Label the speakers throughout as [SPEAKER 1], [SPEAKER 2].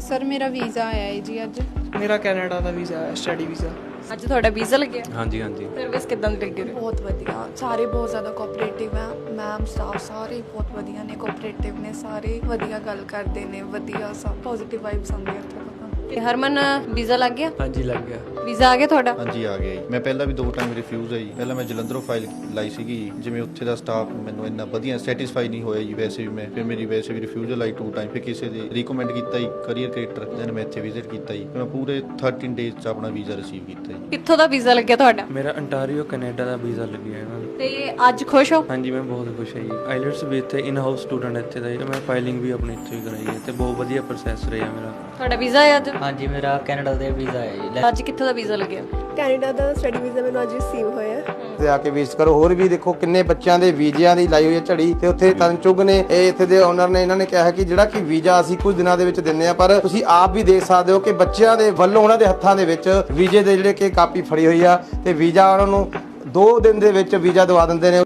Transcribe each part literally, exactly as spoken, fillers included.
[SPEAKER 1] Sir ਮੇਰਾ visa ਆਇਆ ਹੈ ਜੀ ਅੱਜ।
[SPEAKER 2] ਮੇਰਾ ਕੈਨੇਡਾ ਦਾ ਵੀਜ਼ਾ ਹੈ, ਸਟੱਡੀ ਵੀਜ਼ਾ।
[SPEAKER 3] ਅੱਜ ਤੁਹਾਡਾ ਵੀਜ਼ਾ ਲੱਗਿਆ?
[SPEAKER 4] ਹਾਂਜੀ ਹਾਂਜੀ।
[SPEAKER 3] ਸਰਵਿਸ ਕਿਦਾਂ ਦੀ ਲੱਗੀ?
[SPEAKER 5] ਬਹੁਤ ਵਧੀਆ, ਸਾਰੇ ਬਹੁਤ ਜ਼ਿਆਦਾ ਕੋਆਪਰੇਟਿਵ ਹੈ। ਮੈਮ ਸਟਾਫ ਸਾਰੇ ਬਹੁਤ ਵਧੀਆ ਨੇ, ਕੋਆਪਰੇਟਿਵ ਨੇ, ਸਾਰੇ ਵਧੀਆ ਗੱਲ ਕਰਦੇ ਨੇ, ਵਧੀਆ ਸਭ ਪੋਜ਼ਿਟਿਵ ਵਾਈਬਸ ਆਉਂਦੀਆਂ ਇੱਥੇ ਤੋਂ।
[SPEAKER 3] ਤੇ ਹਰਮਨ ਵੀਜ਼ਾ ਲੱਗ ਗਿਆ?
[SPEAKER 4] ਹਾਂਜੀ ਲੱਗ ਗਿਆ।
[SPEAKER 3] ਵੀਜ਼ਾ ਆ ਗਿਆ ਤੁਹਾਡਾ?
[SPEAKER 6] ਹਾਂਜੀ ਆ ਗਿਆ ਜੀ। ਮੈਂ ਪਹਿਲਾਂ ਵੀ ਦੋ ਟਾਈਮ ਰਿਫਿਊਜ਼ ਆਈ। ਪਹਿਲਾਂ ਮੈਂ ਜਲੰਧਰੋਂ ਫਾਈਲ ਲਾਈ ਸੀਗੀ, ਜਿਵੇਂ ਉੱਥੇ ਦਾ ਸਟਾਫ ਮੈਨੂੰ ਇੰਨਾ ਵਧੀਆ ਸੈਟੀਸਫਾਈ ਨਹੀਂ ਹੋਇਆ ਜੀ। ਵੈਸੇ ਵੀ ਮੈਂ ਫਿਰ ਮੇਰੀ ਵੈਸੇ ਵੀ ਰਿਫਿਊਜ਼ਲ ਆਈ ਟੂ ਟਾਈਮ। ਫਿਰ ਕਿਸੇ ਦੇ ਰਿਕਮੈਂਡ ਕੀਤਾ ਜੀ ਕਰੀਅਰ ਕ੍ਰੀਏਟਰ, ਦੈਨ ਮੈਂ ਇੱਥੇ ਵਿਜ਼ਿਟ ਕੀਤਾ ਜੀ। ਮੈਂ ਪੂਰੇ ਥਰਟੀਨ ਡੇਜ਼ 'ਚ ਆਪਣਾ ਵੀਜ਼ਾ ਰਿਸੀਵ ਕੀਤਾ ਜੀ।
[SPEAKER 3] ਕਿੱਥੋਂ ਦਾ ਵੀਜ਼ਾ ਲੱਗਿਆ ਤੁਹਾਡਾ?
[SPEAKER 4] ਮੇਰਾ ਅੰਟਾਰੀਓ ਕੈਨੇਡਾ ਦਾ ਵੀਜ਼ਾ ਲੱਗਿਆ ਇਹਨਾਂ ਨੂੰ।
[SPEAKER 3] ਤੇ ਅੱਜ ਖੁਸ਼ ਹੋ?
[SPEAKER 4] ਹਾਂਜੀ ਮੈਂ ਬਹੁਤ ਖੁਸ਼ ਹਾਂ ਜੀ। ਆਈਲੈਟਸ ਵੀ ਇੱਥੇ ਇਨ ਹਾਊਸ ਸਟੂਡੈਂਟ ਇੱਥੇ ਦਾ ਜੀ। ਮੈਂ ਫਾਈਲਿੰਗ ਵੀ ਆਪਣੀ ਇੱਥੇ ਹੀ ਕਰਾਈ ਹੈ ਤੇ ਬਹੁਤ ਵਧੀਆ ਪ੍ਰੋਸੈਸ ਰਿਹਾ ਮੇਰਾ।
[SPEAKER 3] ਤੁਹਾਡਾ ਵੀਜ਼ਾ ਹੈ ਅੱਜ?
[SPEAKER 7] ਹਾਂਜੀ ਮੇਰਾ ਕੈਨੇਡਾ ਦਾ ਵੀਜ਼ਾ ਹੈ ਜੀ।
[SPEAKER 3] ਅੱਜ ਕਿੱਥੋਂ ਦਾ ਵੀਜ਼ਾ ਲੱਗਿਆ?
[SPEAKER 8] ਕੈਨੇਡਾ ਦਾ ਸਟੱਡੀ ਵੀਜ਼ਾ ਮੈਨੂੰ ਅੱਜ ਰਿਸੀਵ ਹੋਇਆ
[SPEAKER 9] ਤੇ ਆ ਕੇ ਵਿਜ਼ਿਟ ਕਰੋ। ਹੋਰ ਵੀ ਦੇਖੋ ਕਿੰਨੇ ਬੱਚਿਆਂ ਦੇ ਵੀਜ਼ਿਆਂ ਦੀ ਲਾਈ ਹੋਈ ਹੈ ਝੜੀ। ਤੇ ਉੱਥੇ ਤਨਚੁਗ ਨੇ ਇਹ ਇੱਥੇ ਦੇ ਓਨਰ ਨੇ ਇਹਨਾਂ ਨੇ ਕਿਹਾ ਕਿ ਜਿਹੜਾ ਕਿ ਵੀਜ਼ਾ ਅਸੀਂ ਕੁਝ ਦਿਨਾਂ ਦੇ ਵਿੱਚ ਦਿੰਦੇ ਆ, ਪਰ ਤੁਸੀਂ ਆਪ ਵੀ ਦੇਖ ਸਕਦੇ ਹੋ ਕਿ ਬੱਚਿਆਂ ਦੇ ਵੱਲੋਂ ਉਹਨਾਂ ਦੇ ਹੱਥਾਂ ਦੇ ਵਿੱਚ ਵੀਜ਼ੇ ਦੇ ਜਿਹੜੇ ਕਿ ਕਾਪੀ ਫੜੀ ਹੋਈ ਆ ਤੇ ਵੀਜ਼ਾ ਉਹਨਾਂ ਨੂੰ ਦੋ ਦਿਨ ਦੇ ਵਿੱਚ ਵੀਜ਼ਾ ਦਵਾ ਦਿੰਦੇ ਨੇ।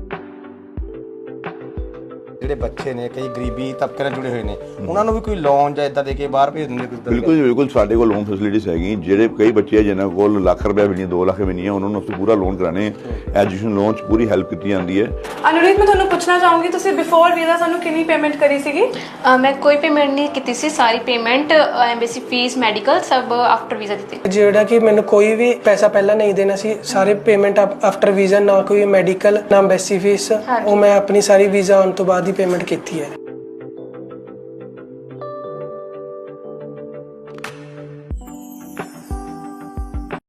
[SPEAKER 9] ਜਿਹੜੇ ਬੱਚੇ ਨੇ ਕਈ ਗਰੀਬੀ ਤਬਕੇ ਨਾਲ ਜੁੜੇ ਹੋਏ ਨੇ, ਉਹਨਾਂ ਨੂੰ ਵੀ ਕੋਈ ਲੋਨ ਜਾਂ ਇਦਾਂ ਦੇ ਕੇ ਬਾਹਰ ਭੇਜ ਦਿੰਦੇ?
[SPEAKER 10] ਬਿਲਕੁਲ ਬਿਲਕੁਲ, ਸਾਡੇ ਕੋਲ ਲੋਨ ਫੈਸਿਲਿਟੀਜ਼ ਹੈਗੀ। ਜਿਹੜੇ ਕਈ ਬੱਚੇ ਜਿਨ੍ਹਾਂ ਕੋਲ ਲੱਖ ਰੁਪਏ ਵੀ ਨਹੀਂ, ਦੋ ਲੱਖ ਵੀ ਨਹੀਂ ਹੈ, ਉਹਨਾਂ ਨੂੰ ਅਸੀਂ ਪੂਰਾ ਲੋਨ ਕਰਾਣੇ। ਐਜੂਕੇਸ਼ਨ ਲੋਨ 'ਚ ਪੂਰੀ ਹੈਲਪ ਕੀਤੀ ਜਾਂਦੀ ਹੈ।
[SPEAKER 8] ਅਨੁਰੀਤ, ਮੈਂ ਤੁਹਾਨੂੰ ਪੁੱਛਣਾ ਚਾਹੂੰਗੀ, ਤੁਸੀਂ ਬਿਫੋਰ ਵੀਜ਼ਾ ਸਾਨੂੰ ਕਿੰਨੀ ਪੇਮੈਂਟ ਕਰੀ ਸੀਗੀ?
[SPEAKER 11] ਮੈਂ ਕੋਈ ਪੇਮੈਂਟ ਨਹੀਂ ਕੀਤੀ ਸੀ, ਸਾਰੀ ਪੇਮੈਂਟ ਐਮਬੈਸੀ ਫੀਸ ਮੈਡੀਕਲ ਸਭ ਆਫਟਰ ਵੀਜ਼ਾ ਦਿੱਤੀ।
[SPEAKER 2] ਜਿਹੜਾ ਕਿ ਮੈਨੂੰ ਕੋਈ ਵੀ ਪੈਸਾ ਪਹਿਲਾਂ ਨਹੀਂ ਦੇਣਾ ਸੀ, ਸਾਰੇ ਪੇਮੈਂਟ ਆਫਟਰ ਵੀਜ਼ਾ, ਨਾ ਕੋਈ ਮੈਡੀਕਲ ਨਾ ਐਮਬੈਸੀ ਫੀਸ, ਉਹ ਮੈਂ ਆਪਣੀ ਸਾਰੀ ਵੀਜ਼ਾ ਆਉਣ ਤੋਂ ਬਾਅਦ ਹੀ ਪੇਮੈਂਟ ਕੀਤੀ ਹੈ।